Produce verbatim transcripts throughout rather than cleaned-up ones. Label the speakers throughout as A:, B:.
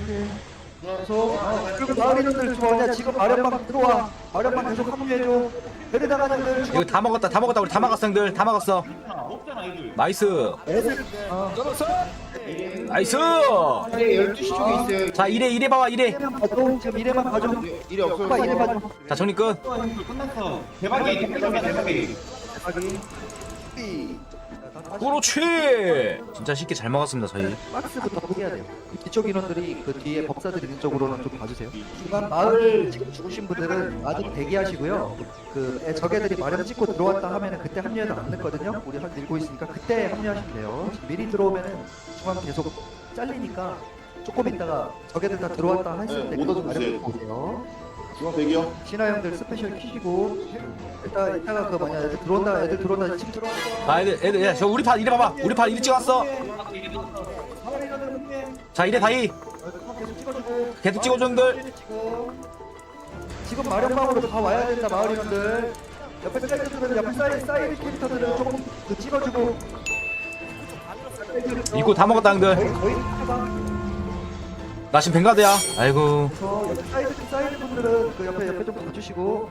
A: 계속 그리고 마을 인원들 좋아하냐 지금 마련방 들어와. 마련방 계속 합류해줘. 데려다가 애들
B: 이거 다 먹었다 다 먹었다 우리 다 막았어 형들 다 막았어. 나이스
A: 애들
B: 나이스.
C: 열두 시 쪽에 있어요.
B: 자 이래 이래 봐봐 이래.
A: 봐줘. 지금 이래만 봐줘.
C: 일이 없어요.
A: 오빠 이래 봐줘.
B: 자 정리 끝.
C: 대박이 대박이 대박이.
A: 대박이.
B: 그렇지. 진짜 쉽게 잘 먹었습니다 저희.
A: 박스부터 포기해야 돼요. 뒤쪽 인원들이 그 뒤에 법사들 있는 쪽으로는 좀 봐주세요. 중간 마을 지금 죽으신 분들은 아직 대기하시고요. 그 애- 적애들이 마련 찍고 들어왔다 하면은 그때 합류해도 안 늦거든요. 우리 한 밀고 있으니까 그때 합류하시면 돼요. 미리 들어오면은 중간 계속 잘리니까 조금 있다가 적애들 다 들어왔다 했을 때
D: 네, 오더 좀
A: 마련
D: 주세요.
A: 보세요.
D: 중앙 대기요.
A: 신하 형들 스페셜 키시고 일단 이따가 그 뭐냐 애들 들어온다 애들 들어온다 지금 들어온다.
B: 아 애들 애들 야, 저 우리 파 이래 봐봐 우리 파 이래 찍었어. 자 이래 다이
A: 계속 찍어주고
B: 계속 찍어줘 형들.
A: 지금 마련방으로 다 와야 된다 마을 인원들. 옆에 사이드들은 옆에 사이드 사이드 캐릭터들은 조금 그 찍어주고.
B: 이거 다 먹었다 형들.
A: 거의 거의 해봐.
B: 나 지금 뱅가드야. 아이고
A: 그래서 옆에 사이드 사이드 분들은 그 옆에 옆에 좀 봐주시고.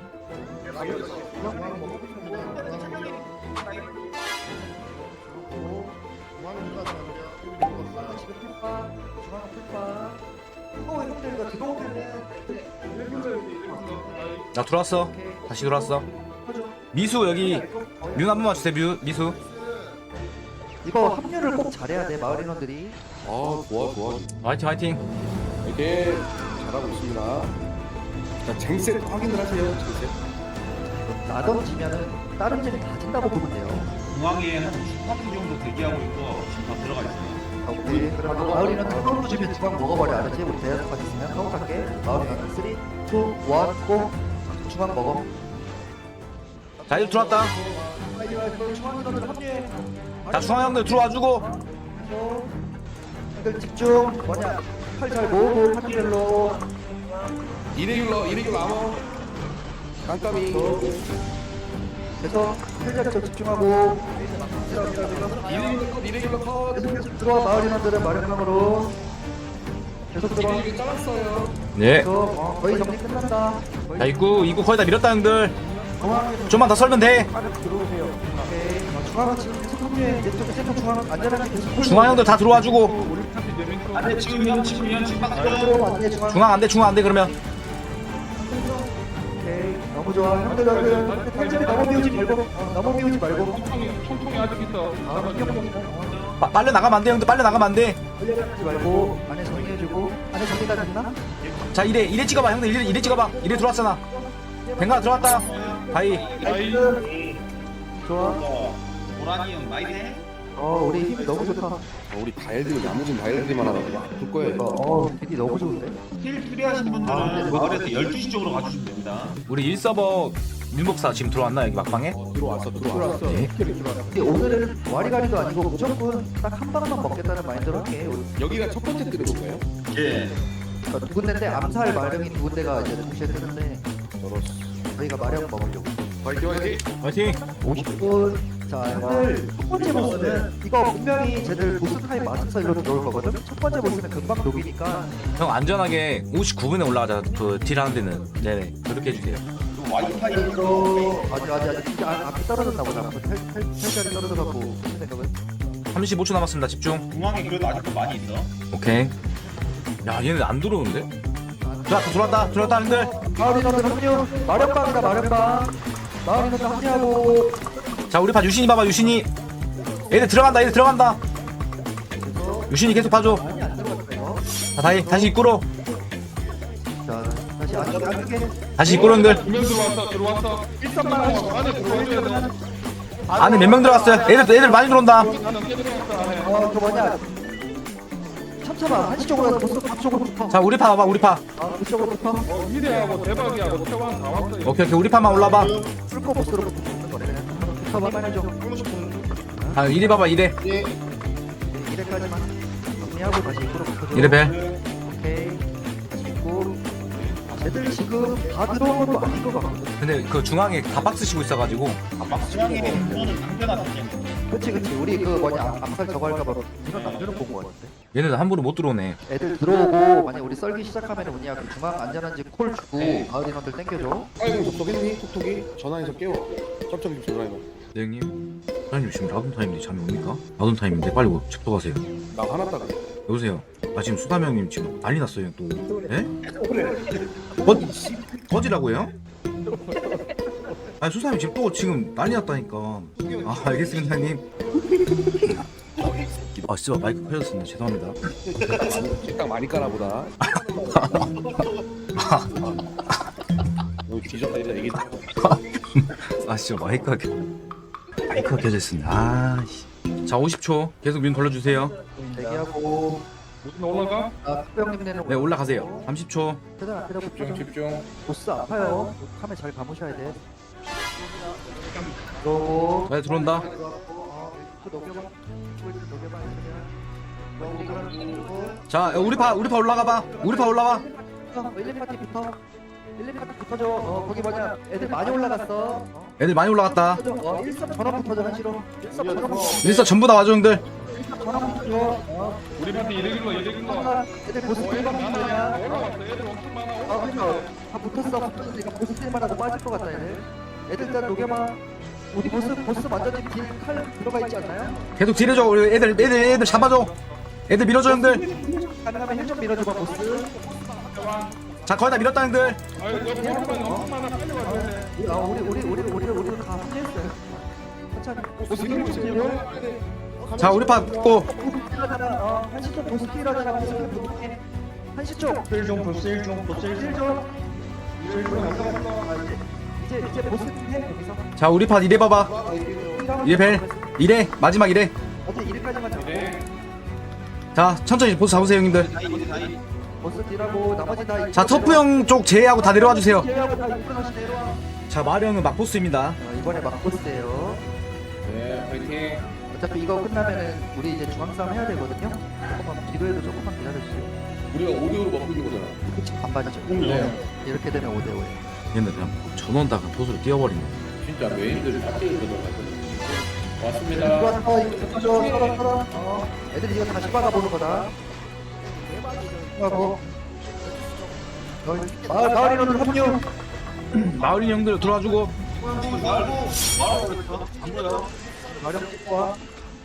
A: 지금 풀파 중앙 풀파. 어 형들 이거 들어오면은
B: 나 들어왔어. 다시 들어왔어. 미수 여기 뮤 한 번만 주세요 뮤 미수.
A: 이거 합류를 꼭 잘해야 돼 마을 인원들이.
D: 아 좋아 좋아.
B: 화이팅 화이팅.
D: 이렇게 잘하고 있습니다. 자 쟁셋 확인을 하세요. 쟁셋.
A: 나던 지면은 다른 집이 다 진다고 보면 돼요.
C: 중앙에 한 십 파티 정도 대기하고 있고 지금 다 들어가 있어요.
A: 오케이. 그럼 마을 인원 카운트 주면 중앙 먹어버려 알았지? 우리 대여섯까지 있으면 카운트할게. 마을 인원 삼, 이, 일, 고 중앙 먹어.
B: 자 이제 들어왔다.
A: 중앙 인원들 합류해.
B: 자 중앙 형들 들어와주고.
A: 형들 집중. 뭐냐? 팔 잘 모으고 파티별로.
D: 이레귤러 이레귤러 아머. 깜깜이.
A: 그래서 헬자리 좀 집중하고.
D: 이레귤러 컷 이레귤러 컷.
A: 계속 계속 들어와 마을 인원들은 마련방으로. 계속 들어와.
D: 이레귤러 잘랐어요.
B: 네.
A: 그래서 어, 거의 정리 끝난다. 거의
B: 자 입구 입구 거의 다 밀었다 형들.
A: 중앙에
B: 좀만 더 썰면 돼.
A: 들어오세요. 오케이. 어, 중앙은 지금 계속 합류해. 이쪽 센터 중앙 안전하게 계속.
B: 중앙 형들 다 들어와주고.
C: 안돼 지금 현 지금 현 지금 막
A: 들어오면 안 돼, 중앙.
B: 중앙 안돼 중앙 안돼 그러면.
A: 오케이. 너무 좋아. 형들 형들 탈진이 너무 비우지 말고. 어, 너무 비우지 말고.
E: 총통이 아직 있어.
A: 아, 기억
B: 빠, 빨려 나가면 안 돼 형들 빨려 나가면 안 돼.
A: 하지 말고 안에 정리해주고. 안에 정리가 됐나?
B: 자 이래 이래 찍어봐 형들 이래 이래 찍어봐. 이래 들어왔잖아. 뱅가 들어왔다. 다이.
A: 나이스. 좋아.
C: 보라니 형 많이 돼?
A: 어, 우리 힘 너무 좋다.
D: 어, 우리 다이얼들 야무진 다이얼들만 하나 볼 거예요.
A: 이거 어, 비디 너무 좋은데.
C: 힐 필요하신 분들은 마을에서 열두 시 쪽으로 가주시면 됩니다.
B: 우리 일 서버 민복사 지금 들어왔나 여기 막방에?
D: 들어왔어 들어왔어.
B: 네.
A: 근데 오늘은 와리가리도 아니고 무조건 딱 한 방만 먹겠다는 마인드로 할게.
D: 여기가 첫 번째 뜨는 건가요?
C: 예.
A: 어, 두 군데인데 암살 마령이 두 군데가 이제 동시에 뜨는데 저희가 마령 먹으려고.
D: 화이팅 화이팅.
B: 화이팅.
A: 오십 분. 자, 형들 첫 번째 보스는 이거 분명히 쟤들 보스 타임 맞춰서 일로 들어올 거거든. 첫 번째 보스는 금방 녹이니까
B: 형 안전하게 오십구 분에 올라가자 그 딜 하는 데는. 네네 그렇게 해주세요.
C: 와이파이
A: 이거 아직 아직 아직 진짜 아, 앞에 떨어졌나 보다. 헬자리 떨어져갖고 무슨 생각은?
B: 삼십오 초 남았습니다 집중.
C: 중앙에 그래도 아직도 많이 있어.
B: 오케이. 야 얘네 안 들어오는데? 들어왔다 들어왔다 들어왔다 형들.
A: 마을 인원들 합류. 마련방이다 마련방. 마을 인원들 합류하고.
B: 자 우리 파 유신이 봐봐 유신이. 얘들 들어간다 얘들 들어간다. 유신이 계속 봐줘.
A: 많이 안 들어갔어요.
B: 자 다시 다시 입구로.
A: 자 다시 안쪽에 안쪽에.
B: 다시 입구로 형들.
E: 두명 들어왔어. 들어왔어.
A: 일선만 하시고
E: 안에 들어와줘야 돼.
B: 안에 몇 명 들어갔어요? 애들 애들 많이 들어온다.
E: 나는 깨 들어갔어 안에.
A: 어그 뭐냐. 참참아 한시 쪽으로 가서 보스 앞쪽으로 붙어.
B: 자 우리 파 와봐 우리 파.
A: 아 그쪽으로 붙어.
E: 어, 미래하고 대박이하고 태왕 다 왔어. 이거.
B: 오케이 오케이 우리 파만 올라봐.
A: 풀코 보스로 붙는 거래 그냥. 붙어봐만 해줘.
B: 아 이래 봐봐 이래.
A: 이래까지만 정리하고 다시 입구로 붙어줘.
B: 이래 벨.
A: 오케이. 다시 입구. 애들 지금 다 들어온 것도 아닌 것 같거든.
B: 근데 그 중앙에 다 박스 치고 있어가지고
C: 중앙에 이거는 남겨놨
A: 그치 그치 우리 그 뭐냐 암살 저거 할까봐 이런 남들은 본 것 같은데.
B: 얘네들 함부로 못 들어오네.
A: 애들 들어오고 만약 우리 썰기 시작하면 뭐냐 그 중앙 안전한지 콜 주고 마을 인원들 땡겨줘.
D: 아이고 톡톡이니? 톡톡이? 전화해서 깨워. 쩝쩝이 좀 전화해봐.
B: 네 형님. 사장님 지금 라돈 타임인데 잠이 옵니까? 라돈 타임인데 빨리 책도 가세요.
D: 나 화났다 그래.
B: 여보세요. 아 지금 수담 형님 지금 난리 났어요 또. 예? 꺼 꺼지라고요? 아니 수담이 지금 또 지금 난리 났다니까. 아 알겠습니다 형님. 아 진짜 마이크 켜졌습니다. 죄송합니다.
D: 책당 많이 까나보다. 너 뒤졌다 이제 얘기.
B: 아 진짜 마이크가 켜 마이크가 켜져 있습니다. 아 씨. 자 오십 초 계속 민 걸러주세요.
A: 대기하고
E: 무슨 올라가?
A: 아 특병님 내는
B: 네 올라가세요. 삼십 초.
A: 최대한 앞에다 붙여.
C: 집중.
A: 보스 아파요. 카메 잘 감으셔야 돼. 그러고
B: 네 들어온다.
A: 어, 그 녹여봐. 그 녹여봐. 그냥.
B: 자 우리 파 우리 파 올라가봐. 우리 파 올라와.
A: 어, 일, 이 파티부터 일, 이 파티 붙어줘. 어 거기 뭐냐 애들 많이 올라갔어. 어,
B: 애들 많이 올라갔다.
A: 붙어줘. 어 일, 삼 전원 붙어줘 한시로. 일, 삼 전원 붙어줘.
B: 일사 전부 다 와줘 형들.
A: 일, 삼 전원 붙어줘. 어
E: 우리 파티 이래길로 이래길로.
A: 애들 보스 일 번
E: 많아.
A: 붙어야.
E: 올라왔어. 애들 엄청 많아.
A: 아 그니까 다 붙었어. 붙었으니까 보스 딜만하고 빠질 것 같다 애들. 애들 일단 녹여봐. 우리 보스 보스 완전히 딜칼 들어가 있지 않나요?
B: 계속 딜해줘. 우리 애들 애들 애들 잡아줘. 애들 밀어줘 형들.
A: 가능하면 힐좀 밀어줘봐 보스.
B: 자 거의 다 밀었다 형들.
E: 아유 여기 보스만 엄청 많아. 빨리 와야 돼.
A: 아 우리 우리 우리 우리 우리 다 합류했어요. 천천히. 보스 딜
B: 자 우리 파 붙고.
A: 딜하잖아. 어 한시 쪽 보스 딜하잖아. 보스 딜 부탁해. 한시 쪽.
C: 일중 보스 일중 보스
A: 딜
C: 일중.
A: 좀. 딜 좀. 아, 이제 이제 이제 보스 딜해 여기서.
B: 자 우리 파 이래 봐봐. 이래 벨. 이래 마지막 이래.
A: 어제 일까지만 잡고.
B: 자 천천히 보스 잡으세요 형님들.
A: 보스 딜하고 나머지 다.
B: 자 터프 형 쪽 제외하고 다 내려와 주세요.
A: 제외하고 다 이끌어 다시 내려와.
B: 자 마리 형은 막 보스입니다.
A: 어, 이번에 막 보스예요.
C: 네 파이팅.
A: 어차피 이거 끝나면은 우리 이제 중앙 싸움 해야 되거든요. 조금만 기도해도 조금만 기다려주세요.
D: 우리가 오디오로 먹고 있는 거잖아.
A: 그치 반반이죠.
D: 네.
A: 이렇게 되면 오 대 오예요.
B: 얘네들 그냥 전원다가 보스로 뛰어버리네.
C: 진짜 메인들 파티에 들어가서.
A: 이거
C: 왔습니다.
A: 어 이거 붙어줘 서로 서로. 어 애들이 이거 다시 박아보는 거다. 하고. 어, 마을 마을 인원들 합류.
B: 마을인 형들 들어와주고.
A: 마령 찍고 와.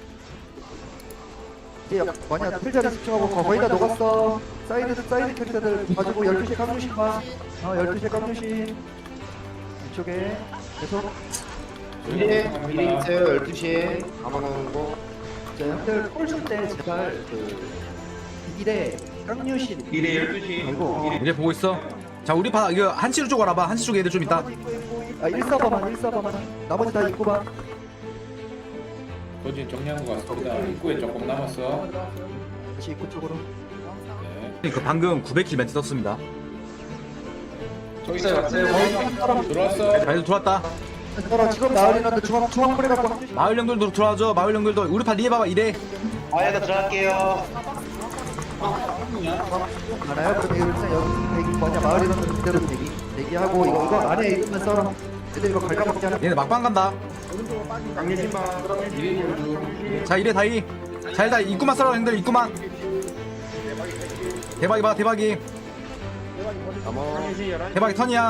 A: 이제 뭐냐 풀자리 집중하고 거- 거의 다 녹았어. 사이드 사이드 캐릭터들 가지고 열두 시에 깡주시 봐. 어 열두 시에 깡주시. 이쪽에 계속.
C: 네, 미리 있어요 열두 시에.
A: 가만한 거. 자 형들 콜줄때 제발 그 일에 깡류신.
C: 미리 열두 시.
A: 아이고.
B: 이제 보고 있어. 자 우리 파 이거 한시로 쪽 알아봐. 한시 쪽에 애들 좀 있다.
A: 아 일 서버만 일 서버만. 나머지 다 입고 봐.
C: 거진 정리한 것 같습니다. 입구에 조금 남았어.
A: 다시 입구 쪽으로.
C: 네.
B: 그 방금 구백 킬 멘트 썼습니다.
C: 저기 있어요. 들어왔어.
B: 자 애들 들어왔다.
A: 서로 지금 마을 인원들 중앙 중앙 풀에 갖고 합류.
B: 마을 형들도 들어와줘. 마을 형들도 우리 파 리에 봐봐 이래.
C: 아예가 들어갈게요.
A: 많아요. 그럼 일단 여기 대기 뭐냐 마을 인원들 그대로 대기 대기하고 이거 이거 안에 있으면 썰어. 애들 이거 갈가먹자.
B: 얘네 막방 간다.
C: 미리 열두.
B: 자 이래 다이. 자 일단 입구만 썰어 형들 입구만. 대박이 봐 대박이. 대박이 턴이야.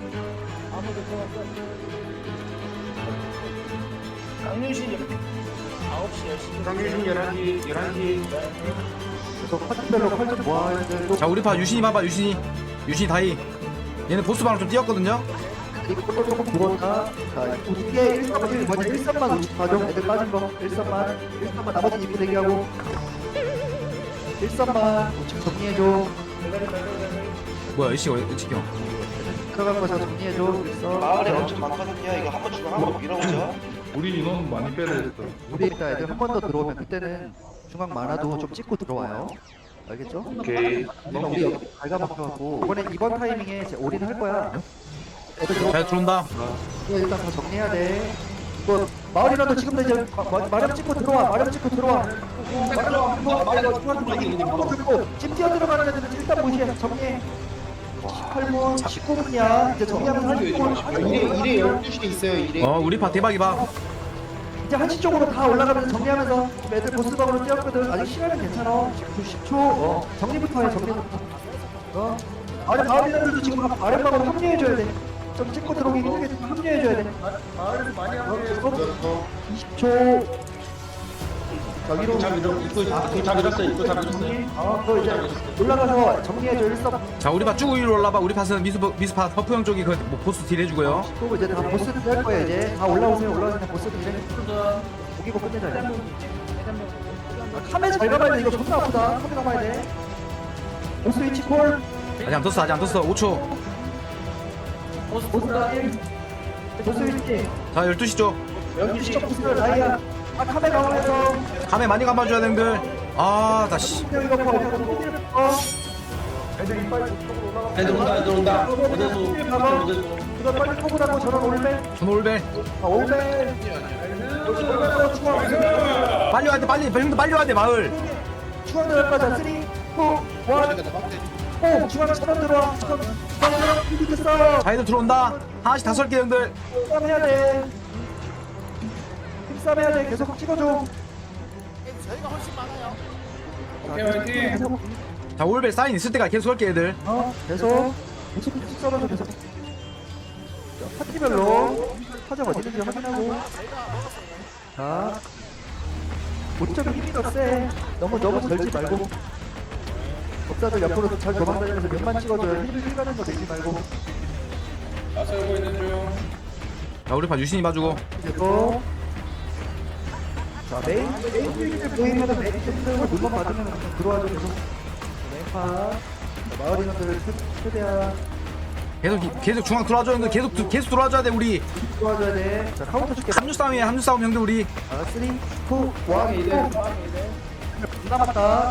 C: 강유신 열한 시 열한 시.
A: 계속 파티별로 활좀 모아야 돼.
B: 자 우리 파 유신이 봐봐 유신이. 유신이 다이. 얘네 보스 방을 좀 뛰었거든요.
A: 이거 조금 들어온다. 자, 이게 일 삼 일 뭐냐 일 삼만 오십 가죠. 애들 빠진 거 일 삼만 일 삼만 나머지 입구 대기하고 일 삼만 우측 정리해줘.
B: 뭐야 이 씨가 왜 지켜?
A: 들어간 거 다 정리해줘. 일선.
F: 마을에 엄청 많거든요. 이거 한번 주고 한번 밀어보죠.
E: 우리 인원 많이 빼야 돼.
A: 우리 일단 애들 한 번 더 들어오면 그때는 중앙 많아도 좀 찍고 들어와요. 알겠죠?
C: 오케이.
A: 우리 여기 갈가먹혀갖고 이번에 이번 타이밍에 이제 올인 할 거야. 애들 들어.
B: 잘 들어온다.
A: 이거 일단 다 정리해야 돼. 이거 마을 인원들 지금도 이제 마- 마- 마련 찍고 들어와. 마련 찍고 들어와. 마련 찍고 마련 찍고 찜 뛰어 들어가는 애들은 일단 무시해. 정리해. 십팔 분, 십구 분이야. 이제 정리하면서 한시 쪽으로
F: 이래 이래 열두 시에 있어요. 이래.
B: 어 우리 파 대박이봐.
A: 이제 한시 쪽으로 다 올라가면서 정리하면서 애들 보스방으로 뛰었거든. 아직 시간은 괜찮아. 십 초. 어, 정리부터 해. 정리부터. 어. 아래 마을인들도 지금 아랫방으로 합류해줘야 돼. 좀 찍고 들어오기 힘들게 좀 합류해줘야 돼. 마을에서 많이 합류해. 이십 초. 저기로
C: 다 밀어 입구 입구 다 밀었어 입구 다 밀었어.
A: 어, 그 이제 올라가서 정리해줘. 일섭.
B: 자 우리 파 쭉 위로 올라봐. 우리 파는 미스 미스파 허프 형 쪽이 그뭐 보스 딜 해주고요.
A: 그리고 이제 다 보스들 할 거야. 이제 다 올라오세요. 올라오세요. 보스들 이제 고기고 끝내자. 이제. 아, 카메 잘 가봐야 돼. 이거 존나 아프다. 카메 가봐야 돼. 보스 위치 콜.
B: 아직 안 떴어 아직 안 떴어. 오 초.
A: 보스 보스 라인. 보스 위치.
B: 자 열두 시 쪽.
A: 여기 시적 보스 라이야. 아 카메 가봐야죠.
B: 카메 많이 감아줘야 되는들. 아 다시.
A: 이거 이거 봐. 어.
C: 애들 온다 애들 온다. 어디서
A: 가봐.
C: 어디서.
A: 이거 빨리 포고라고 저런 올벨.
B: 전 올벨.
A: 아 올벨. 여기 올벨로 추가.
B: 빨리 와야 돼 빨리 형들 빨리 와야 돼 마을.
A: 추가 들어갈 거자. 쓰리, 포, 원. 오 중앙 차단 들어와. 중앙 들어와. 이기 됐어.
B: 자 애들 들어온다. 하나씩 다 설게 형들.
A: 힘싸움 해야 돼. 힘싸움 해야 돼. 계속 찍어줘.
E: 오케이 화이팅.
A: 계속.
B: 자 올벨 사인 있을 때까지 계속 설게 애들.
A: 어, 계속. 계속 계속 썰어줘, 계속. 자, 파티별로 사정 어디 있는지 확인하고. 자, 모점이 힘이 더 세. 너무 너무 절지 말고. 법사들 옆으로 잘 도망다니면서 몇만 찍어줘요. 힐을 힐 가는 거 내지 말고.
E: 나서고 있는 중.
B: 자 우리 파 유신이 봐주고.
A: 그리고 자 메인 메인 필드 보이면은 메인 필드 물건 받으면 들어와줘 계속. 메인파 마을 인원들 최대한
B: 계속 계속 중앙 들어와줘 형들. 계속 계속 들어와줘야 돼 우리.
A: 도와줘야 돼. 자 카운터 줄게.
B: 합류 싸움이야 합류 싸움 형들 우리.
A: 아, 쓰리, 투, 원, 고! 남았다.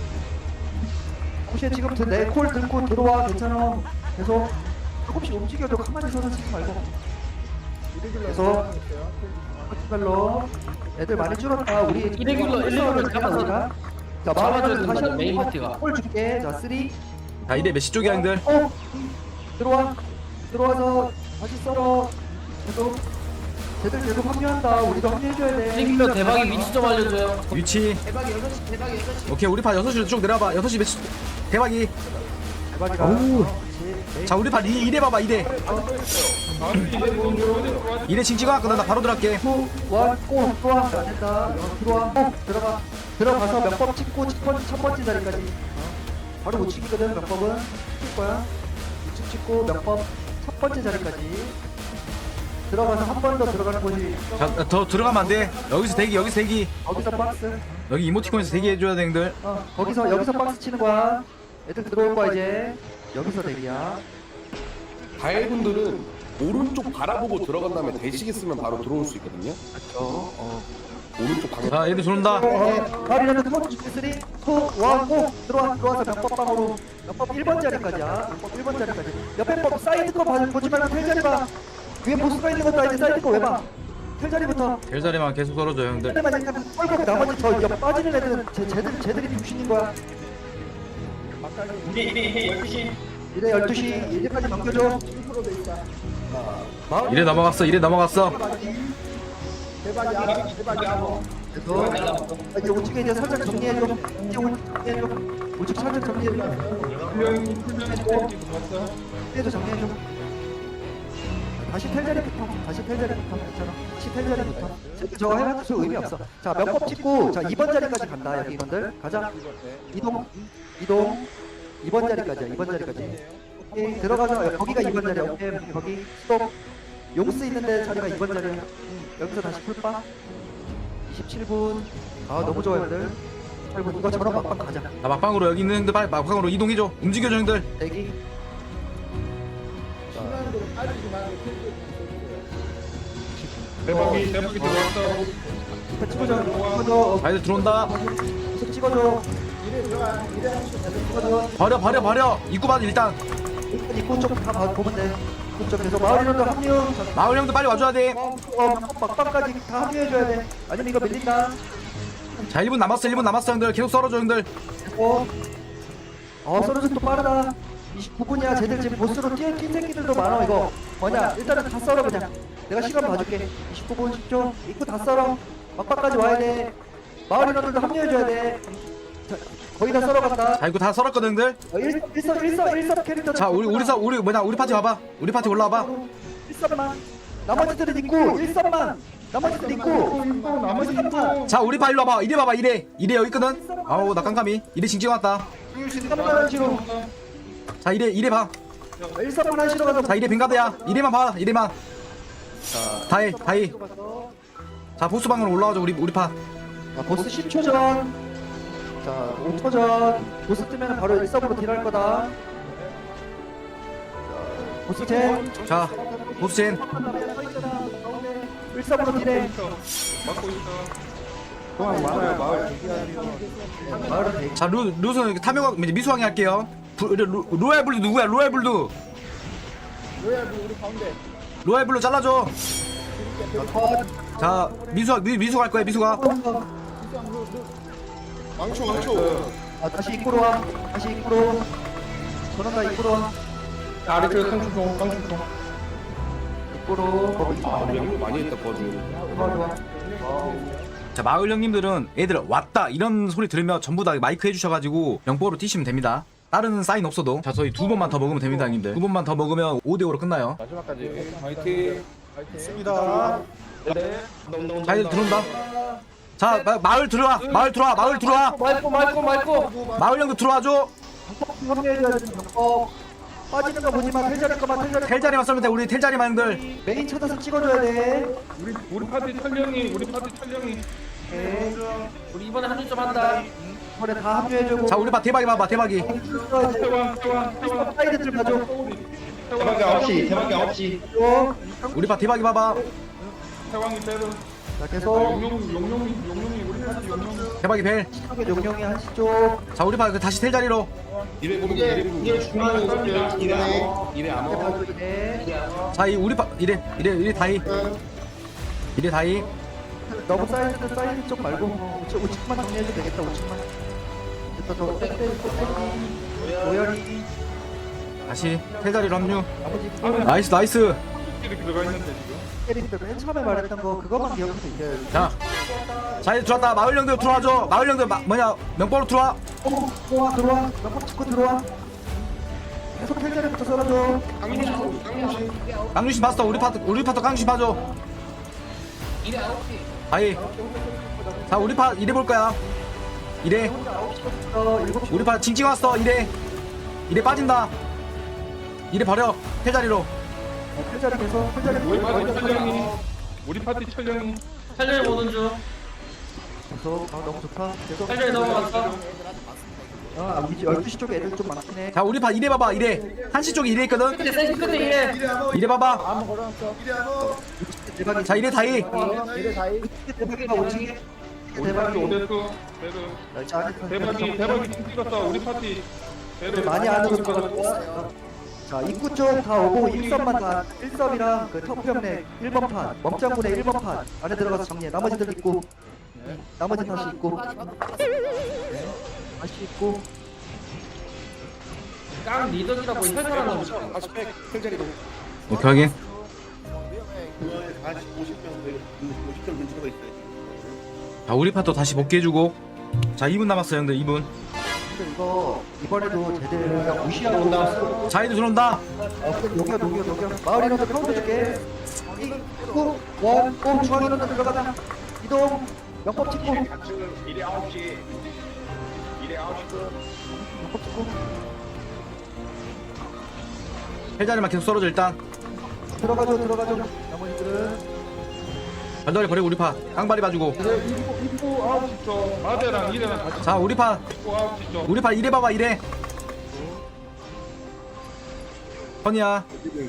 A: 혹시 지금부터 내 콜 들고 들어와. 괜찮아. 계속 조금씩 움직여도 가만히 서서 치지 말고. 계속 파티별로 애들 많이 줄었다. 우리
G: 이레귤러, 일레귤러 잡아서
A: 자, 마을에는 다시
G: 된다, 메인
A: 한번
G: 파티가.
A: 콜 줄게. 자, 쓰리,
B: 자 이래 몇시 쪽이야 형들.
A: 오, 들어와. 들어와서 다시 썰어. 계속 쟤들 계속 합류한다. 우리도 합류해줘야 돼.
G: 이레귤러 대박이 위치 좀 알려줘요.
B: 위치. 오케이 우리 파 여섯 시로 쭉 내려봐. 여섯 시 몇시 대박이.
A: 대박이다.
B: 자 우리 파 이, 이래 봐봐 이래. 이래 징 찍어놨거든. 나 바로 들어갈게.
A: 투, 원, 고! 들어와. 안 된다. 어, 들어와. 고! 들어가. 들어가서 몇 번 찍고 첫 번째, 첫 번째 자리까지. 어. 바로 우측이거든. 몇 번은 찍을 거야. 우측 찍고 몇 번, 첫 번째 자리까지. 들어가서 한 번 더 들어가는 곳이.
B: 자 더 들어가면 안 돼. 여기서 대기 여기서 대기.
A: 거기서 박스.
B: 여기 이모티콘에서 대기해줘야 돼 형들.
A: 어, 거기서, 여기서 박스 치는 거야. 애들 들어올 거야, 이제. 여기서 대기야.
D: 가해분들은 오른쪽 바라보고 들어간 다음에 대시계 쓰면 바로 들어올 수 있거든요.
A: 그렇죠. 어.
D: 오른쪽 방향.
B: 자 애들 들어온다.
A: 가리라는 두 번째 줄게 쓰리, 투, 원, 고! 들어와, 들어와서 명법방으로. 명법 일 번 자리까지야. 명법 일 번 자리까지. 옆에 법 사이드 거 봐, 보지 말고 텔 자리 봐. 위에 보스가 있는 것도 아닌데 사이드 거 왜 봐? 텔 자리부터.
B: 별자리만 계속 썰어줘 형들.
A: 텔만 약간 뻘고 나머지 저 옆 빠지는 애들은 제, 쟤들, 쟤들이 병신인 거야.
C: 이래 이래 이래 열두 시.
A: 이래 열두 시, 이제까지 넘겨줘. 마을
B: 이래 넘어갔어 이래 넘어갔어.
A: 그래서 아, 이제 우측에 이제 살짝 정리해줘. 이제 우측 정리해줘. 우측 살짝 정리해줘. 정리해줘, 정리해줘. 다시 텔 자리부터. 다시 텔 자리부터. 괜찮아. 다시 텔 자리부터. 쟤들 저거 해봤자 의미 없어. 자, 명법 찍고 자 이 번 자리까지 간다. 여기 인원들 가자. 이동, 이동. 이 번 자리까지야. 이 번 자리까지. 오케이, 들어가서 거기가 이 번 자리야. 오케이, 거기 스톱. 용스 있는데 자리가 이 번 자리야. 응, 여기서 다시 풀바. 이십칠 분. 아 너무 좋아 형들. 십팔 분 이거 저런 막방 가자.
B: 자 막방으로 여기 있는 형들 빨리 막방으로 이동해줘. 움직여줘 형들.
A: 대기.
E: 대박이 대박이 들어왔어.
A: 자, 찍어줘. 찍어줘.
B: 자 애들 들어온다.
A: 계속 찍어줘. 찍어줘.
B: 버려 버려 버려. 입구 봐 일단.
A: 일단 입구 쪽다 보면 돼. 입구 쪽 계속 마을 인원도 합류. 자,
B: 마을 형들 빨리 와줘야 돼.
A: 어, 어, 막방까지 다 합류해줘야 돼. 아니면 이거 밀린다.
B: 자 일 분 남았어 일 분 남았어 형들. 계속 썰어줘 형들.
A: 어. 어, 서로서 또 빠르다. 이십구 분이야. 쟤들 지금 보스로 뛰어 뛴 새끼들도 많아. 이거 뭐냐? 일단은 다 썰어 그냥. 내가 시간 봐줄게. 이십구 분 십 초. 입구 다 썰어. 막바까지 와야 돼. 마을 인원들도 합류해줘야 돼. 자, 거의 다 썰어갔다.
B: 자 이거 다 썰었거든 형들.
A: 어, 일 섭, 일 섭, 일 섭, 일 섭 캐릭터.
B: 자 우리 우리 사 우리 뭐냐 우리 파티 와봐. 우리 파티 올라와봐.
A: 일 섭만. 나머지들은 있고 일 섭만. 나머지들 있고. 나머지 있고.
B: 자 우리 파 일로 와봐. 이래 봐봐 이래. 이래 여기 있거든. 아우 나 깜깜이. 이래 징징 왔다.
A: 삼만 원치로.
B: 자 이래 이래 봐.
A: 일 섭만 하시러 가서.
B: 자 이래 뱅가드야. 이래만 봐. 이래만. 다해 다해. 자 보스 방으로 올라와줘 우리 우리 파.
A: 자, 보스 십 초 전. 자, 오 초 전. 보스 뜨면 바로 일 섭으로 딜할 거다. 자, 보스 젠.
B: 자 보스 젠.
A: 일 섭으로 딜해.
E: 막고 있어.
D: 동안 많아요 마을.
A: 마을은 대기.
B: 자 루 루스 탐욕 이제 미수왕이 할게요. 부, 루, 로얄 블루 누구야? 로얄 블루. 로얄 블루 우리 가운데. 로얄 블루 잘라줘. 자 미수 미, 미수 갈 거야 미수가.
D: 망초 망초.
A: 아, 다시 입구로 와. 다시 입구로. 전원가 입구로 와.
E: 아리트 깡충통 깡충통.
A: 입구로. 어,
D: 아 명도 많이 했다 버즈.
A: 좋아, 좋아.
B: 자 마을 형님들은 애들 왔다 이런 소리 들으면 전부 다 마이크 해주셔가지고 영보로 뛰시면 됩니다. 다른 사인 없어도. 자 저희 두 번만 더 먹으면 됩니다 형님들. 두 번만 더 먹으면 오 대 오로 끝나요.
E: 화이팅.
D: 있습니다.
B: 자 이제 들어온다. 자 마, 마을 들어와 마을 들어와 마을 들어와
G: 말고 말고 말고.
B: 마을 형도 들어와줘.
A: 합류해줘야 되는 병법. 빠지는 거 보지 마. 텔자리 거만 텔자리.
B: 텔자리만 썰면 돼 우리 텔자리만 형들.
A: 메인 찾아서 찍어줘야 돼.
E: 우리 우리 파티 철령이 우리 파티 철령이.
A: 오케이.
G: 우리 이번에 합류 좀 한다.
A: 이번에 다 합류해주고.
B: 자 우리 봐 대박이 봐봐 대박이.
E: 태왕 태왕 태왕.
A: 사이드들 봐줘.
E: 대박이
F: 아홉 시 대박이 아홉 시.
B: 우리 봐 대박이 봐봐.
E: 태왕이 빼는.
A: 자, 계속.
E: 용용 용용이 용용이 우리 파티 용용이.
B: 대박이 벨.
A: 쪽에 용령이 한시 쪽.
B: 자 우리 봐 다시 텔자리로.
D: 이래 보면
F: 이제
D: 이래 보면.
F: 이제 중앙에 있어요. 이번에
D: 이래 암호.
A: 네.
B: 자 이 우리 파 이래 이래 이래 다이. 이래 다이.
A: 너무 사이드 사이드 쪽 말고 우측 우측만 정리해도 되겠다. 우측만. 됐다. 더 떼, 떼, 떼. 오열이.
B: 다시 텔자리로 합류.
A: 나머지
B: 나이스 나이스.
E: 이렇게 들어가 있는데 지금.
A: 캐릭터 맨 처음에 말했던 거 그것만 기억해서 이겨야 돼.
B: 자. 자 이제 들어왔다. 마을 형들 들어와줘. 마을 형들 마, 뭐냐 명보로 들어와.
A: 어, 들어와 들어와. 몇번 찍고 들어와. 계속 텔자리부터 썰어줘.
B: 강주신 봤어. 우리 파트 우리 파트 강주신 봐줘.
G: 이래 아홉 시.
B: 아이. 자 우리 파 이래 볼 거야. 이래.
A: 어, 일곱 시.
B: 우리 파 징징 왔어. 이래. 이래 빠진다. 이래 버려. 텔자리로.
A: 어, 텔자리 계속 텔자리
E: 우리
A: 계속
E: 파티 철령이. 우리 파티 철령이.
G: 살려를 보는 중.
A: 계속. 아 너무 좋다. 계속.
G: 살려를 넘어갔어.
A: 아 우리 열두 시 쪽에 애들 좀 많긴 해.
B: 자 우리 파 이래 봐봐. 이래. 한시 쪽에 이래 있거든.
G: 끝에 세시 끝에 이래.
B: 이래 봐봐.
A: 대박이.
B: 자 이래 다이.
A: 대박이가 오지. 대박이.
E: 오데스 배드.
A: 자,
E: 대박이 대박이 팀 찍었어. 우리 파티. 배드
A: 많이 안 오는 것 같고. 자 입구 쪽 다 오고 일 섭만 다 일 섭이랑 그 터프 형네 일 번 판 먹장군의 일 번 판 안에 들어가서 정리해. 나머지들 있고. 나머지 다시 있고. 네. 다시 있고.
G: 깡 리더기라고 회사라는 놈.
D: 다시 백 텔자리로.
B: 오케이 확인.
D: 다시 오십 명 오십 명 근처가 있어요.
B: 자 우리 파도 다시 복귀해주고. 자 이 분 남았어요 형들 이 분.
A: 근데 이거 이번에도 제대로 그냥 무시하고 온다.
B: 자 이제 들어온다.
A: 어, 녹여 녹여 녹여. 마을 인원들 카운트 줄게. 이구 원 오 중앙 인원들 들어가자. 이동. 명법 찍고.
E: 이래 아홉 시. 이래 아홉 시.
A: 명법 찍고.
B: 텔자리만 계속 썰어줘 일단.
A: 들어가죠 들어가죠. 나머지들은
B: 발다리 버리고 우리 파. 깡발이 봐주고.
E: 입구 아홉 시 쪽. 마대랑 이래랑 같이.
B: 자 우리 파.
E: 입구 아홉 시 쪽.
B: 우리 파 이래 봐봐 이래. 선이야.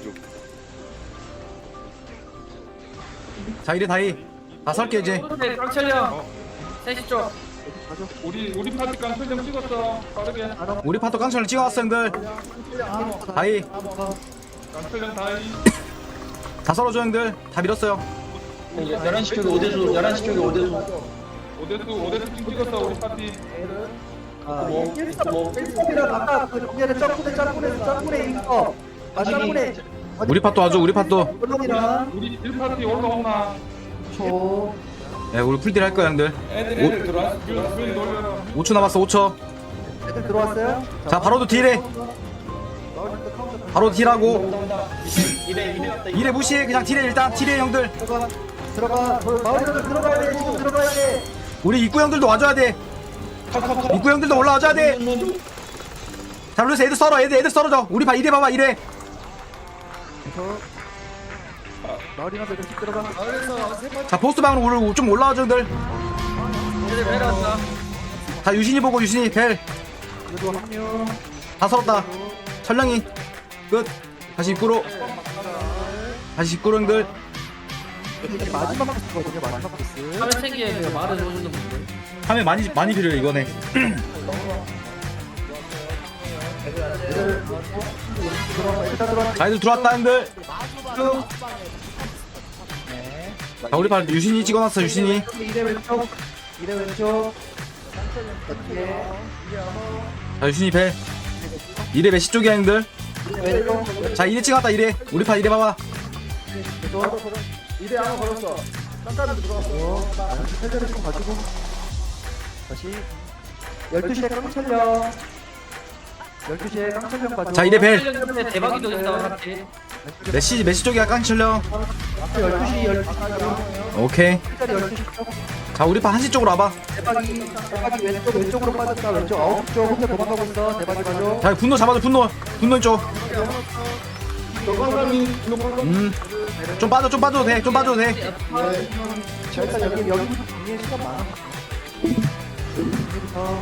B: 자 이래 다이. 다 설게 이제.
G: 네, 깡철령. 세시 쪽.
E: 우리 우리 파티 깡 설정 찍었어. 빠르게.
B: 우리 파도 깡철을 찍어왔어 형들. 다이.
E: 깡 설정 다이.
B: 다 썰어줘 형들. 다 밀었어요.
F: 열한 시 쪽에 오대수 열한 시 쪽에 오대수.
E: 오데스 오데스 팀 찍었어. 우리 파티.
A: 아, 일삼이랑 아까 그 정리하는 점프대 짬분에 짬분에 있어. 아, 짬분에.
B: 우리 팟도 와줘 우리 팟도.
A: 물론이랑
E: 우리 일 파티 올라오나?
A: 초.
B: 야 우리 풀딜 할 거야 형들.
C: 애들 애들 들어왔어.
E: 길 돌려라.
B: 오 초 남았어 오 초.
A: 애들 들어왔어요?
B: 자 바로도 딜해. 바로 딜하고.
F: 이래 이래 왔다.
B: 이래 무시해 그냥 딜해 일단 딜해 형들.
A: 들어가. 들어가. 마을에서 들어가야 돼. 지금 들어가야 돼.
B: 우리 입구 형들도 와줘야 돼. 입구 형들도 올라와줘야 돼. 자 루이스 애들 썰어 애들 애들 썰어줘. 우리 봐 이래 봐봐 이래.
A: 그래서 마을이나 들씩 들어가.
B: 자 보스 방으로 올- 좀 올라와줘 형들.
G: 얘들 내려왔다.
B: 자 유신이 보고 유신이 벨.
A: 그리고 합류.
B: 다 썰었다. 철량이 끝. 다시 입구로. 다시 입구로 형들.
A: 이게 마지막 코스거든요. 마지막 코스.
G: 카메 세기에 말을 해주는 분들.
B: 하면 많이 많이 필요해 이거네.
A: 들어가. 일단 들어가.
B: 자 애들 들어왔다 형들. 자 우리 반 유신이 찍어놨어 유신이.
A: 이래 왼쪽. 이래 왼쪽. 어떻게?
B: 자 유신이 벨. 이래 메시 쪽이야 형들.
A: 이래 왼쪽.
B: 자 이래 찍었다 이래. 우리 반 이래 봐봐.
A: 이래 하나 걸었어. 깜깜이 들어갔어. 세대를 좀 가지고. 다시. 열두 시에 깡철령. 열두 시에 깡철령 가지고.
B: 자 이래 벨.
G: 텔 대박이도 있다 같이.
B: 메시 메시 쪽이야 깡칠령.
A: 열두 시 열두 시.
B: 오케이.
A: 열두 시 쪽.
B: 자 우리 반 한시 쪽으로 와봐.
A: 대박이 대박이 왼쪽 왼쪽으로 빠졌다. 왼쪽 아홉 쪽 혼자 도망가고 있어. 대박이 가죠.
B: 자 분노 잡아줘 분노. 분노 쪽. 음. 좀 빠져 좀 빠져도 돼. 좀 빠져도 돼.
A: 자 일단 여기 여기 정리에 시간 많아. 여기부터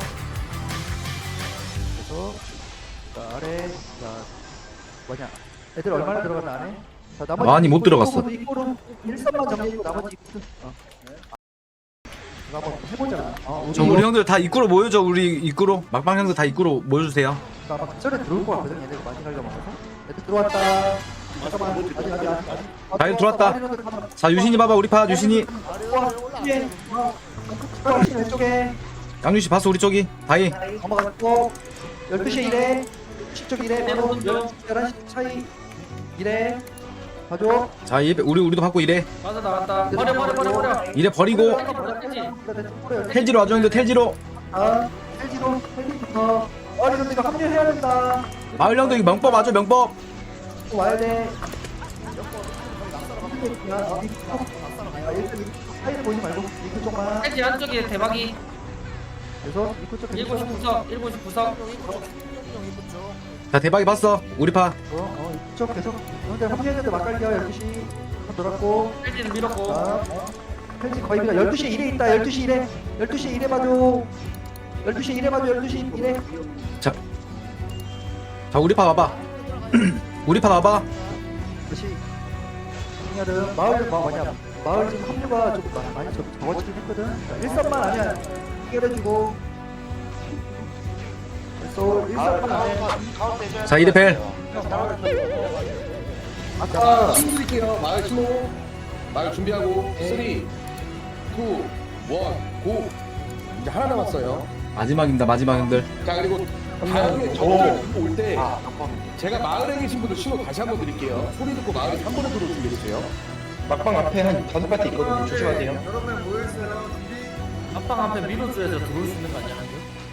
A: 그래서 자 아래 자 뭐냐 애들 얼마나 들어갔나 안에? 자 나머지
B: 많이 못 들어갔어.
A: 이거는 일선만 정리하고 나머지 이거는 어. 이거 한번 해보자. 어,
B: 저 우리 형들 다 입구로 모여줘. 우리 입구로. 막방 형들 다 입구로 모여주세요.
A: 아마 그 전에 들어올 것 같거든. 얘네가 많이 가려고 해서. 애들 들어왔다. 잠깐만 아직 아직 아직 아직.
B: 자, 애들 들어왔다. 자 유신이 봐봐 우리 파 유신이.
A: 와 뒤에 어 왼쪽에
B: 양유씨 봤어 우리 쪽이. 다이.
A: 넘어갔고 열두 시 이래 십 쪽 이래 바로 열한 시 차이 이래 가죠.
B: 자 이- 우리 우리도 받고 이래.
G: 맞아 나갔다. 버려 버려 버려 버려.
B: 이래 버리고 텔지로 와줘 형들 텔지로.
A: 아 헬지로 헬지부터 어리는 이거 합류해야 된다.
B: 마을 형들 이거 명법 와줘 명법.
A: 또 와야 돼. 아, 일단 이 사이를 보지 말고 이쪽 쪽만.
G: 텔지 한쪽에 대박이.
A: 그래서 이쪽 쪽
G: 일곱 시 구석 일곱 시 구석.
B: 자 대박이 봤어 우리 파.
A: 어, 어, 이쪽 계속 근데 합류했는데 막갈겨 열두 시 한 돌았고
G: 텔지는 밀었고.
A: 아, 펼치 거의 그냥 열두 시 일에 있다. 열두 시 일에 열두 시 일에 봐줘. 열두 시 일에 봐줘. 열두 시 일에
B: 자. 자 우리 파 와봐. 우리 파 와봐.
A: 다시 정리하든 마을 뭐 뭐냐 마을 지금 합류가 좀 많- 많이 적- 적어지긴 했거든. 일선만 아니야 해결해주고 그래서 일선만 안해.
B: 자 이래 벨.
D: 아까 신고 드릴게요. 마을 신호. 마을 준비하고 삼, 이, 일, 고. 이제 하나 남았어요.
B: 마지막입니다 마지막 형들.
D: 자 그리고 다음에 저분들 듣고 올 때 제가 마을에 계신 분들 신호 다시 한번 드릴게요. 소리 듣고 마을에 한 번에 들어올 준비해주세요.
F: 막방 앞에 한 다섯 파티 있거든요. 조심하세요.
G: 앞방 앞에 밀어줘야죠. 들어올 수 있는 거 아니야?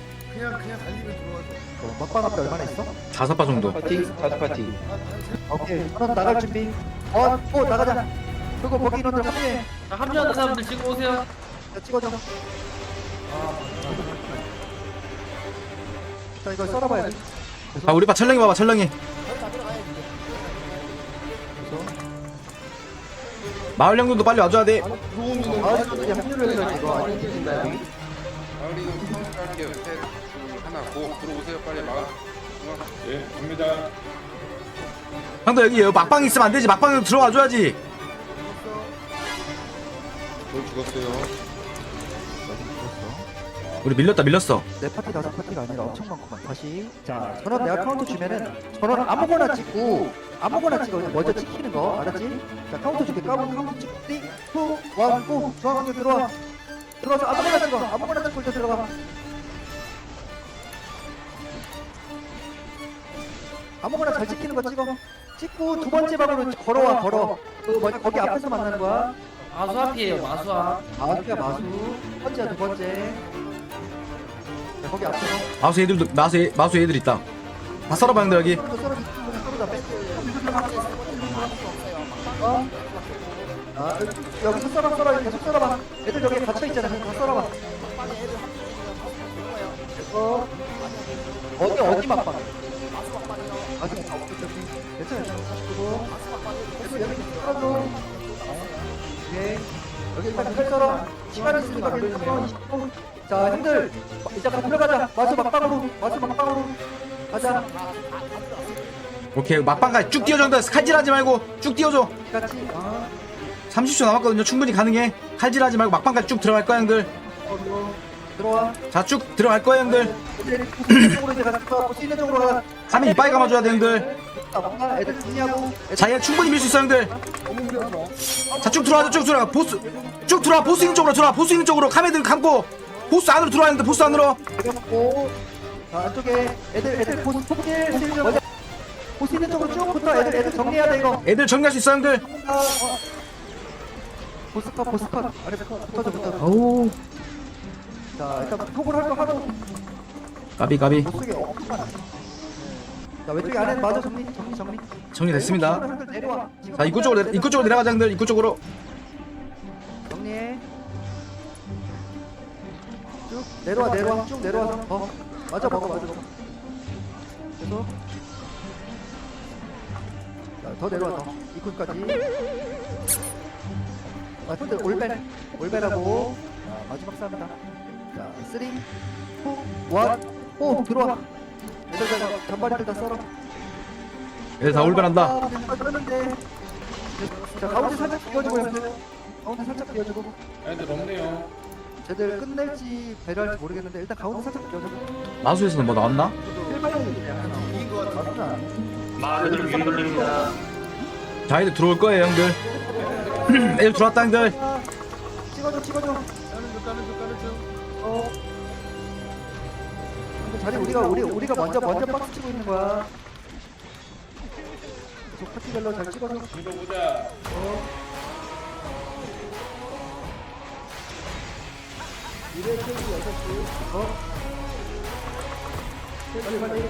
A: 어, 막방 앞에 얼마나 있어?
B: 다섯 파 정도.
F: 파티 다섯 파티.
A: 오케이 하나 나갈 준비. 어, 또 나가자. 그리고 거기 인원들 합류해.
G: 자, 합류하는 사람들 지금 오세요.
A: 자, 찍어줘. 자 이거 썰어봐야 돼.
B: 자 우리 파 철렁이 봐봐 철렁이. 마을 형들도 빨리 와줘야 돼.
A: 마을분들이 합류를 해서 이거 아니 되신다 여기.
H: 마을이 할게요. 셋, 하나, 고 들어오세요. 빨리 마을.
E: 예, 갑니다.
B: 형들 여기 여기 막방 있으면 안 되지. 막방에 들어와줘야지.
H: 저 죽었어요.
B: 우리 밀렸다 밀렸어.
A: 네 파티 다섯 파티가 아니라 엄청 많구만. 다시 자 전원 내가 카운트 주면은 전원 아무거나 찍고 아무거나 찍어. 먼저 찍히는 거 알았지? 자 카운트 줄게. 까본 카운트 찍고 삼, 이, 일, 고 중앙에 들어와. 들어와서 아무거나 찍어. 아무거나 찍고 이제 들어가. 아무거나 잘 찍히는 거 찍어. 찍고 두 번째 방으로 걸어와 걸어. 그 뭐지 거기 앞에서 만나는 거야.
G: 마수 앞이에요 마수 앞.
A: 마수야 마수. 두 번째야 두 번째. 자, 거기 앞에서.
B: 마수 애들도 마수 애, 마수 애들 있다. 다 썰어봐 형들 여기.
A: 또 썰어 썰어다 빼. 어? 아 여기서 썰어 썰어 계속 썰어봐. 애들 여기 갇혀 있잖아. 다 썰어봐. 어? 어디 어디 막방? 아직 괜찮아 괜찮아. 그리고 계속 여기 썰어줘. 오케이. 여기 일단 칼 썰어. 시간 있으니까 칼 썰어. 이십 분. 자 형들 이제 가 들어가자. 마수 막방으로 마수 막방으로 가자.
B: 오케이 막방까지 쭉 뛰어줘 형들. 칼질하지 말고 쭉 뛰어줘.
A: 같이. 어.
B: 삼십 초 남았거든요. 충분히 가능해. 칼질하지 말고 막방까지 쭉 들어갈 거야 형들.
A: 들어와.
B: 자 쭉 들어갈 거야 형들.
A: 쪽으로 이제 가서 볼수 있는 쪽으로 가.
B: 카메 이빨 감아줘야 돼 형들.
A: 아, 애들 정리하고.
B: 자 얘 충분히 밀 수 있어 형들. 자 쭉 들어와 쭉 들어와. 보스 쭉 들어와. 보스 있는 쪽으로 들어와. 보스 있는 쪽으로 카메들 감고 보스 안으로 들어와 형들. 보스 안으로.
A: 내려놓고. 자 안쪽에 애들 애들 보스 폭질 실력. 보스 있는 쪽으로 쭉 붙어. 애들 애들 정리해야 돼 이거.
B: 애들 정리할 수 있어 형들.
A: 아, 어. 보스컷 보스컷 아래 붙어줘 붙어줘.
B: 어우
A: 자 일단 톡을 할 거 하고.
B: 까비 까비.
A: 보스게 엄청 많아. 자 왼쪽에 안에 맞아 정리 정리 정리.
B: 정리됐습니다.
A: 내려와.
B: 자 입구 쪽으로 내려, 입구 쪽으로 내려가자 형들. 입구 쪽으로.
A: 정리해. 쭉 내려와 내려와 쭉 내려와서 어 맞아 먹어 맞아 먹어. 계속. 자더 내려와 더 입구까지. 아 근데 올벨 올벨하고 자, 마지막 싸움이다. 자 쓰리 투원오 들어와. 애들 다 잔바리들 다 썰어.
B: 애들 다 올바란다.
A: 아, 썰었는데. 자 가운데 살짝 비워주고 형들. 가운데 살짝 비워주고.
E: 애들 없네요.
A: 쟤들 끝낼지 배려할지 모르겠는데 일단 가운데 살짝 비워주고.
B: 마수에서는 뭐 나왔나?
F: 마을을 위로 돌립니다.
B: 자 애들 들어올 거예요 형들. 애들 들어왔다 형들.
A: 찍어줘 찍어줘. 어. 근데 자리 우리가 우리 우리가 먼저 먼저 박스 치고 있는 거야. 계속 파티별로 잘 찍어줘.
E: 이거 보자.
A: 어. 이래 세기 여섯 시. 어. 빨리 빨리.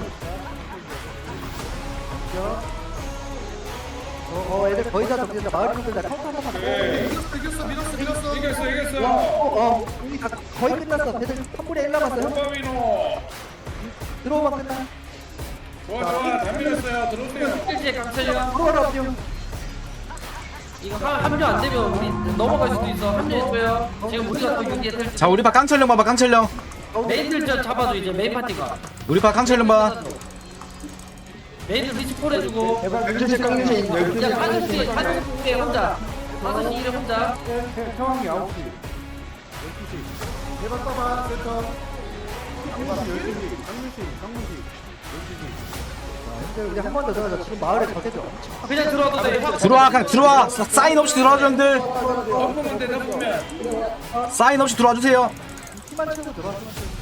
A: 자. 어, 어, 애들 거의 다 정리된다. 마을 분들 다 카운터 하나만.
E: 이겼어 밀었어 밀었어. 이겼어
A: 와,
E: 이겼어.
A: 어, 어, 우리 다 거의 끝났어. 애들 삼분의 일 남았어요.
E: 호바비노.
A: 들어오면 끝나.
E: 좋아 좋아 다 밀었어요. 들어오세요.
G: 일제 강철이야.
A: 들어와라, 뿅.
G: 이거 한- 합류 안 되면 우리 넘어갈 수도 있어. 합류해줘요. 지금 우리가 또 유리에 될
B: 자 우리 파 깡철령 봐봐 깡철령.
G: 메인들 저 잡아줘 이제 메인 파티가.
B: 우리 파 깡철령 봐.
G: 메인들 리스폰 해주고.
F: 열두 시 깡리시 열두 시
G: 야 다섯 시 다섯 시 일에 혼자. 다섯 시 일에 혼자.
E: 상황이 아홉 시. 열두 시. 대박 써봐 센터. 강무시 열두 시. 강무시 강무시.
A: 이제 우리 한 번 더 들어가자. 지금 마을에 적애들 엄청.
G: 그냥 들어와도 돼.
B: 들어와 그냥 들어와. 사- 사인 없이 들어와줘 형들.
E: 덮으면 돼 덮으면.
B: 사인 없이 들어와 주세요.
A: 힘만 치고 들어와.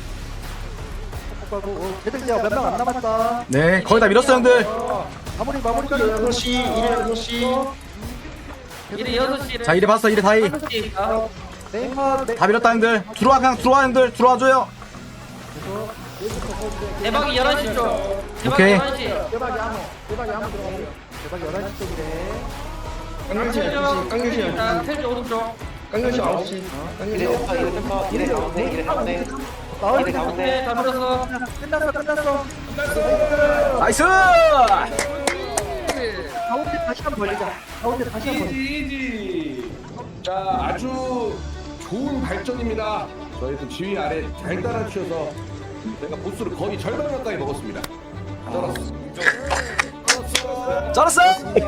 A: 어, 쟤들 이제 몇 명 안 남았다.
B: 네 거의 다 밀었어 형들.
A: 마무리 마무리까지.
F: 여섯 시 이래 여섯 시.
G: 일에 여섯 시에.
B: 자 이래 봤어 이래 다이.
G: 다섯 시. 아,
A: 메인파 메.
B: 다 밀었다 형들. 들어와 그냥 들어와 형들. 들어와줘요.
G: 대박이 열한 시 쪽. 대박
B: 오케이.
G: 열한 시.
A: 대박이 아무. 대박이 아무 들어가요. 대박 열한 시 쪽이래.
F: 깡리시 열두 시 깡리시 열두
G: 자,
F: 시.
G: 텔지 오른쪽.
F: 깡리시 아홉 시. 깡리시 아홉 시.
A: 이래 가운데 이래 가운데. 마을 가운데.
G: 네, 다 밀었어.
A: 끝났어 끝났어.
B: 나이스.
A: 가운데 다시 한 번 벌리자. 가운데 다시 한 번.
D: 이지 이지. 자 아주 좋은 발전입니다. 저희 그 지휘 아래 잘 따라주셔서 제가 보스를 거의 절반 가까이 먹었습니다. 쩔었어.
B: 쩔었어.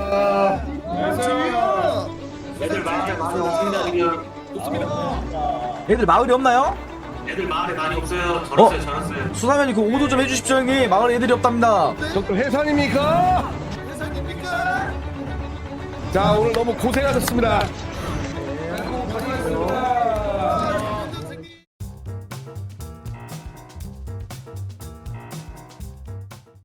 F: 애들 마을에 많이 없습니다 그냥.
B: 애들 마을이 없나요?
F: 애들 마을에 많이 없어요.
B: 어? 수사면이 그 오도 좀 해주십시오 형님. 마을에 애들이 없답니다.
D: doktor 해산입니까? 해산입니까? 자 오늘 너무 고생하셨습니다.